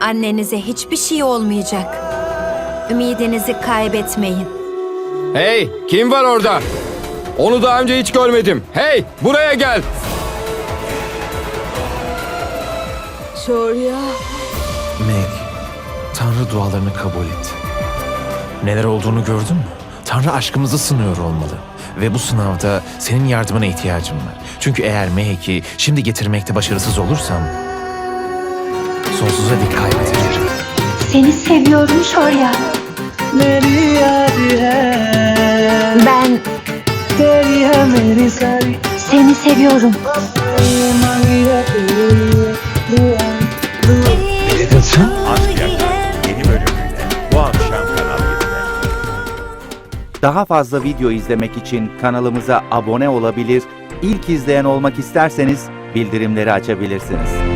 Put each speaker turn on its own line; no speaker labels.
Annenize hiçbir şey olmayacak. Ümidinizi kaybetmeyin.
Hey, kim var orada? Onu daha önce hiç görmedim. Hey, buraya gel.
Şorya.
Meg, Tanrı dualarını kabul etti. Neler olduğunu gördün mü? Tanrı aşkımızı sınıyor olmalı. Ve bu sınavda senin yardımına ihtiyacım var. Çünkü eğer Meg'i şimdi getirmekte başarısız olursam sonsuza dek kaybedeceğim.
Seni seviyorum Şorya. Ben seni seviyorum.
Ne dedin sen?
Aşk Yakar yeni bölümüyle bu akşam Kanal 7'de.
Daha fazla video izlemek için kanalımıza abone olabilir, ilk izleyen olmak isterseniz bildirimleri açabilirsiniz.